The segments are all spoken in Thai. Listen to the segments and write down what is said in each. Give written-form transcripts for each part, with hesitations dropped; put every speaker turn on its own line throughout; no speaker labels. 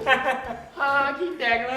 ฮาขี้แตกเลย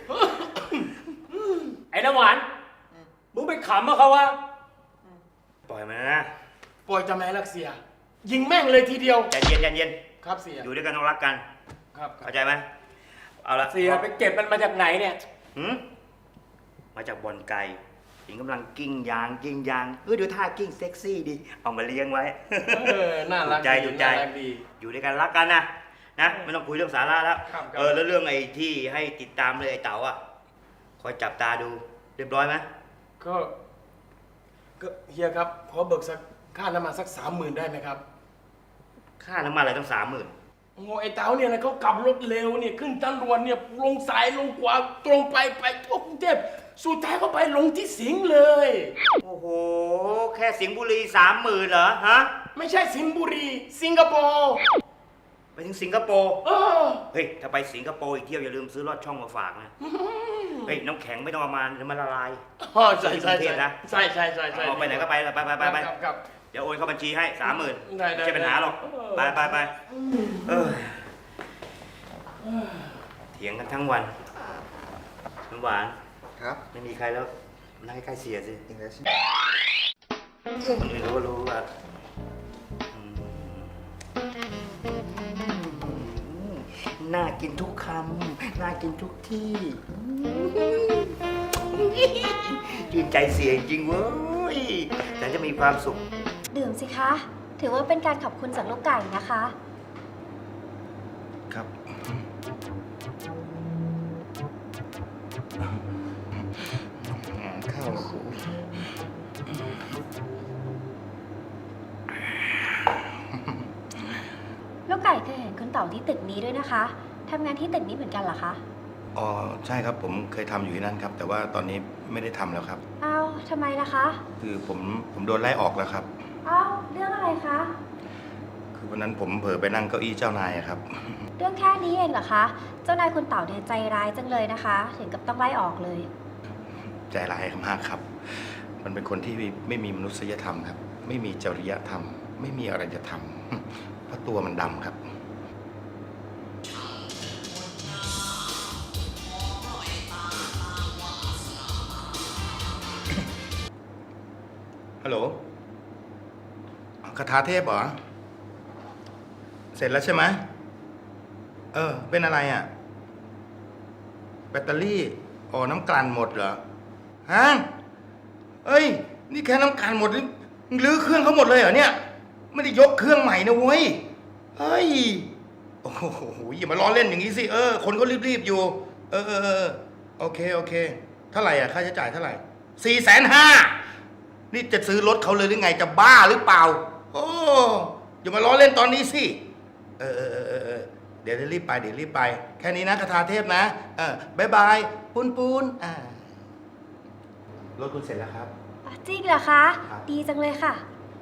ไอ้น้ำหวานมึงไปขำมาเขาวะปล่อยมันนะ
ปล่อยจะแม่รักเสีย ยิงแม่งเลยทีเดียว
ใจเย็นใจเย็น
ครับเสีย
อยู่ด้วยกันต้องรักกัน
ครับ
เข้าใจไหมเอาละ
เสียไปเก็บมันมาจากไหนเนี่ย
มาจากบ่อนไก่หญิงกำลังกิ้งยางดูท่ากิ้งเซ็กซี่ดีเอามาเลี้ยงไว้
น่ารัก
ถูกใจ
น่ารักดี
อยู่ด้วยกันรักกันนะไม่ต้องคุยเรื่องสาระแล้ว
ครับ
แล้วเรื่องไอ้ที่ให้ติดตามเลยไอ้เต๋าอ่ะคอยจับตาดูเรียบร้อยไหม
ก็เฮียครับขอเบิกสักค่าน้ำมันสัก 30,000ได้ไหมครับ
ค่าน้ำมันอะไรต้อง30,000
โอ้ไอ้เต๋าเนี่ยนะเขาขับรถเร็วเนี่ยขึ้นทางด่วนเนี่ยลงสายลงขวาตรงไปทั่วกรุงเทพสุดท้ายเขาไปลงที่สิงห์เลย
โอ้โหแค่สิงห์บุรี30,000เหรอฮะ
ไม่ใช่สิงห์บุรีสิงคโปร์
ไปถึงสิงคโปร์ เฮ้ยถ้าไปสิงคโปร์อีกเที่ยวอย่าลืมซื้อลอดช่องมาฝากนะเฮ้ยน้ำแข็งไม่ต้องเอามาเดี๋ยวมันละลาย
ใช่ใช่ใช่ใช่ใช่
เอาไปไหนก็ไปไป
ครับ
เดี๋ยวโอนเข้าบัญชีให้30,000
ได้
ไม่ใช่ปัญหาหรอกไปเถียงกันทั้งวันน้ำหวาน
ครับ
ไม่มีใครแล้วนั่งใกล้ๆเสียสิ
จริงแล้วใช่ไหม
คนอื่นรู้ว่าน่ากินทุกคำน่ากินทุกที่ชื่นใจเสียจริงเว้ยแต่จะมีความสุข
ดื่มสิคะ ถือว่าเป็นการขอบคุณจากลูกไก่นะคะ
ครับข้าวกู
ลูกไก่เคยเห็นคุณเต่าที่ตึกนี้ด้วยนะคะทำงานที่ตึกนี้เหมือนกันเหรอคะ
อ๋อใช่ครับผมเคยทำอยู่ที่นั่นครับ แต่ว่าตอนนี้ไม่ได้ทำแล้วครับ
อ้าวทำไมล่ะคะ
คือผมโดนไล่ออกแล้วครับ
อ้าวเรื่องอะไรคะ
คือวันนั้นผมเผลอไปนั่งเก้าอี้เจ้านายอะครับ
เรื่องแค่นี้เองเหรอคะ เจ้านายคุณเต่าเนี่ยใจร้ายจังเลยนะคะ ถึงกับต้องไล่ออกเลย
ใจร้ายมากครับ มันเป็นคนที่ไม่มีมนุษยธรรมครับ ไม่มีจริยธรรม ไม่มีอะไรจะทำเพราะตัวมันดำครับ ฮัลโหลคาถาเทพเหรอ เสร็จแล้วใช่ไหมเป็นอะไรอ่ะ แบตเตอรี่น้ำกลั่นหมดเหรอ ฮะ เอ้ย นี่แค่น้ำกลั่นหมดนี่รื้อเครื่องเขาหมดเลยเหรอเนี่ย ไม่ได้ยกเครื่องใหม่นะเว้ย เฮ้ย โอ้โหอย่ามาล้อเล่นอย่างนี้สิ คนก็รีบๆอยู่ โอเค เท่าไหร่อ่ะ ค่าใช้จ่ายเท่าไหร่450,000นี่จะซื้อรถเขาเลยหรือไง จะบ้าหรือเปล่า โอ้อย่ามาล้อเล่นตอนนี้สิเดี๋ยวรีบไป แค่นี้นะคาถาเทพนะบายบายปูนรถคุณเสร็จแล้วครับ
จริงเหรอคะ
ครับ
ดีจังเลยค่ะ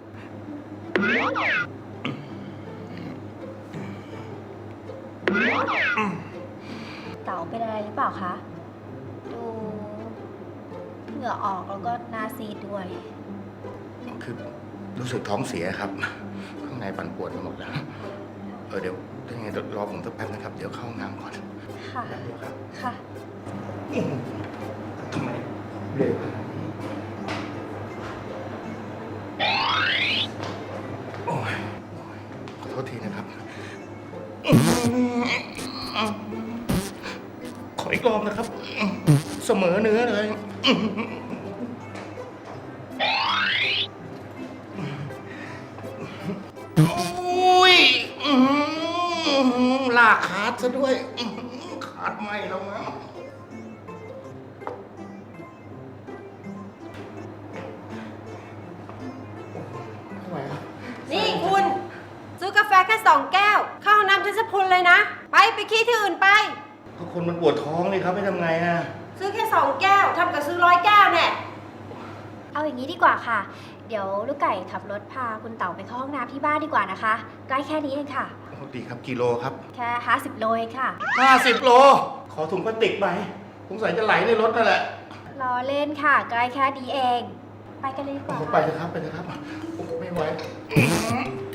เต๋าเป็นอะไรหรือเปล่าคะ ดูเหงื่อออกแล้วก็หน้าซีดด้วย
คือรู้สึกท้องเสียครับ ข้างในปั่นปวดไปหมดแล้ว เดี๋ยวถ้าไงเดี๋ยวรอผมสักแป๊บนะครับ เดี๋ยวเข้าห้องน้ำก่อน
ค่ะ
แป๊บเดียวครับ
ค่ะ
ทำไมเร็วขนาดนี้โอ้ยขอโทษทีนะครับ ขออีกรอบนะครับ เสมอเนื้อเลย โอ้ยลากขาดซะด้วย ขาดไหมแล้วนะ ไม่ไหวครับ
นี่คุณซื้อกาแฟแค่2 แก้ว เข้าห้องน้ำทัศพุนเลยนะ ไปขี้ที่อื่นไป
ก็คนมันปวดท้องเลยครับไม่ทำไงอะ
ซื้อแค่2 แก้วทำกับซื้อ100 แก้วเนี่ย
เอาอย่างนี้ดีกว่าค่ะ เดี๋ยวลูกไก่ขับรถพาคุณเต๋าไปเข้าห้องน้ำที่บ้านดีกว่านะคะใกล้แค่นี้เองค่ะ
โอ้ดีครับกิโลครับ
แค่50 โลเองค่ะ
50 โล ขอถุงพลาสติกไปสงสัยจะไหลในรถนั่นแหละ
ล้อเล่นค่ะใกล้แค่นี้เอง ไปกันเลยดีกว่า
ไปเถอะครับ โอ้ไม่ไหว